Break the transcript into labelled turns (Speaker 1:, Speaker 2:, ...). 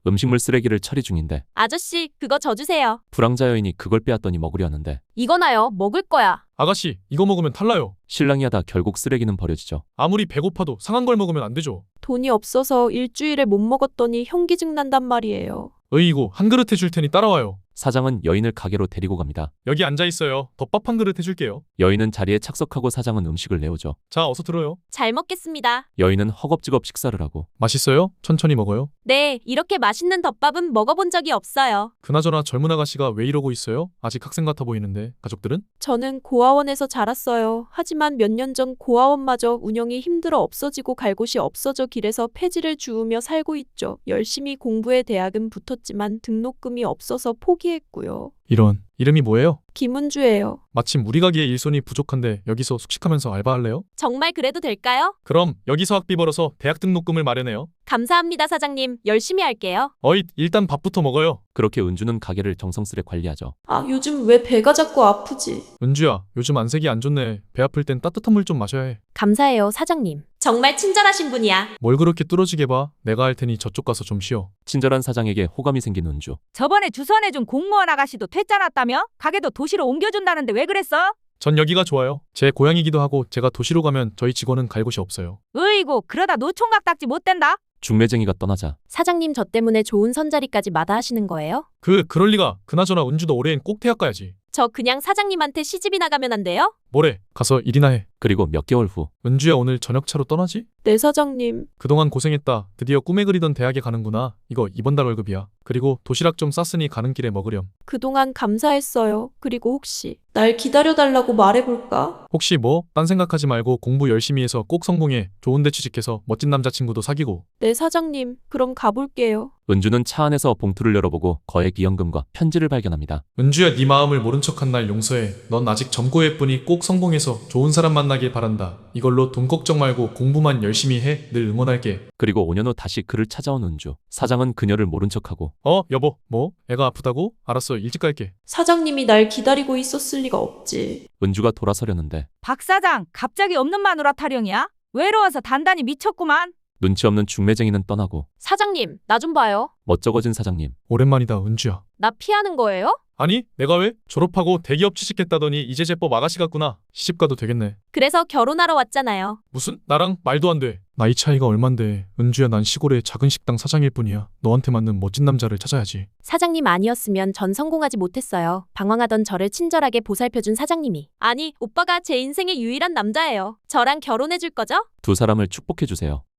Speaker 1: 음식물 쓰레기를 처리 중인데
Speaker 2: 아저씨, 그거 저 주세요.
Speaker 1: 불황자 여인이 그걸 빼앗더니 먹으려 하는데
Speaker 2: 이거나요. 먹을 거야.
Speaker 3: 아가씨, 이거 먹으면 탈라요.
Speaker 1: 신랑이 하다 결국 쓰레기는 버려지죠.
Speaker 3: 아무리 배고파도 상한 걸 먹으면 안 되죠.
Speaker 4: 돈이 없어서 일주일에 못 먹었더니 현기증 난단 말이에요.
Speaker 3: 으이고, 한 그릇 해줄 테니 따라와요.
Speaker 1: 사장은 여인을 가게로 데리고 갑니다.
Speaker 3: 여기 앉아 있어요. 덮밥 한 그릇 해줄게요.
Speaker 1: 여인은 자리에 착석하고 사장은 음식을 내오죠.
Speaker 3: 자, 어서 들어요.
Speaker 2: 잘 먹겠습니다.
Speaker 1: 여인은 허겁지겁 식사를 하고
Speaker 3: 맛있어요? 천천히 먹어요.
Speaker 2: 네, 이렇게 맛있는 덮밥은 먹어본 적이 없어요.
Speaker 3: 그나저나 젊은 아가씨가 왜 이러고 있어요? 아직 학생 같아 보이는데. 가족들은?
Speaker 4: 저는 고아원에서 자랐어요. 하지만 몇 년 전 고아원마저 운영이 힘들어 없어지고 갈 곳이 없어져 길에서 폐지를 주우며 살고 있죠. 열심히 공부해 대학은 붙었지만 등록금이 없어서 포기했고요.
Speaker 3: 이런. 이름이 뭐예요?
Speaker 4: 김은주예요.
Speaker 3: 마침 우리 가게에 일손이 부족한데 여기서 숙식하면서 알바할래요?
Speaker 2: 정말 그래도 될까요?
Speaker 3: 그럼 여기서 학비 벌어서 대학 등록금을 마련해요.
Speaker 2: 감사합니다, 사장님. 열심히 할게요.
Speaker 3: 어잇, 일단 밥부터 먹어요.
Speaker 1: 그렇게 은주는 가게를 정성스레 관리하죠.
Speaker 4: 아, 요즘 왜 배가 자꾸 아프지?
Speaker 3: 은주야, 요즘 안색이 안 좋네. 배 아플 땐 따뜻한 물 좀 마셔야 해.
Speaker 2: 감사해요, 사장님. 정말 친절하신 분이야.
Speaker 3: 뭘 그렇게 뚫어지게 봐. 내가 할 테니 저쪽 가서 좀 쉬어.
Speaker 1: 친절한 사장에게 호감이 생긴 은주.
Speaker 5: 저번에 주선해준 공무원 아가씨도 퇴짜났다며? 가게도 도시로 옮겨준다는데 왜 그랬어?
Speaker 3: 전 여기가 좋아요. 제 고향이기도 하고 제가 도시로 가면 저희 직원은 갈 곳이 없어요.
Speaker 5: 으이고 그러다 노총각 딱지 못 된다?
Speaker 1: 중매쟁이가 떠나자
Speaker 2: 사장님 저 때문에 좋은 선자리까지 마다하시는 거예요?
Speaker 3: 그럴 리가. 그나저나 은주도 올해엔 꼭 대학 가야지.
Speaker 2: 저 그냥 사장님한테 시집이 나가면 안 돼요?
Speaker 3: 뭐래? 가서 일이나 해.
Speaker 1: 그리고 몇 개월 후
Speaker 3: 은주야, 오늘 저녁차로 떠나지?
Speaker 4: 네, 사장님.
Speaker 3: 그동안 고생했다. 드디어 꿈에 그리던 대학에 가는구나. 이거 이번 달 월급이야. 그리고 도시락 좀 쌌으니 가는 길에 먹으렴.
Speaker 4: 그동안 감사했어요. 그리고 혹시 날 기다려달라고 말해볼까?
Speaker 3: 혹시 뭐? 딴 생각하지 말고 공부 열심히 해서 꼭 성공해. 좋은 데 취직해서 멋진 남자친구도 사귀고.
Speaker 4: 네, 사장님. 그럼 가볼게요.
Speaker 1: 은주는 차 안에서 봉투를 열어보고 거액이연금과 편지를 발견합니다.
Speaker 3: 은주야, 네 마음을 모른 척한 날 용서해. 넌 아직 젊고 예쁘니 꼭 성공해서 좋은 사람 만나길 바란다. 이걸로 돈 걱정 말고 공부만 열심히 해. 늘 응원할게.
Speaker 1: 그리고 5년 후 다시 그를 찾아온 은주. 사장은 그녀를 모른 척하고
Speaker 3: 여보, 뭐? 애가 아프다고? 알았어, 일찍 갈게.
Speaker 4: 사장님이 날 기다리고 있었을 리가 없지.
Speaker 1: 은주가 돌아서려는데
Speaker 5: 박 사장 갑자기 없는 마누라 타령이야? 외로워서 단단히 미쳤구만.
Speaker 1: 눈치 없는 중매쟁이는 떠나고
Speaker 2: 사장님, 나 좀 봐요.
Speaker 1: 멋쩍어진 사장님.
Speaker 3: 오랜만이다, 은주야.
Speaker 2: 나 피하는 거예요?
Speaker 3: 아니, 내가 왜? 졸업하고 대기업 취직했다더니 이제 제법 아가씨 같구나. 시집 가도 되겠네.
Speaker 2: 그래서 결혼하러 왔잖아요.
Speaker 3: 무슨? 나랑 말도 안 돼. 나이 차이가 얼만데. 은주야, 난 시골의 작은 식당 사장일 뿐이야. 너한테 맞는 멋진 남자를 찾아야지.
Speaker 2: 사장님 아니었으면 전 성공하지 못했어요. 방황하던 저를 친절하게 보살펴준 사장님이. 아니, 오빠가 제 인생의 유일한 남자예요. 저랑 결혼해줄 거죠?
Speaker 1: 두 사람을 축복해주세요.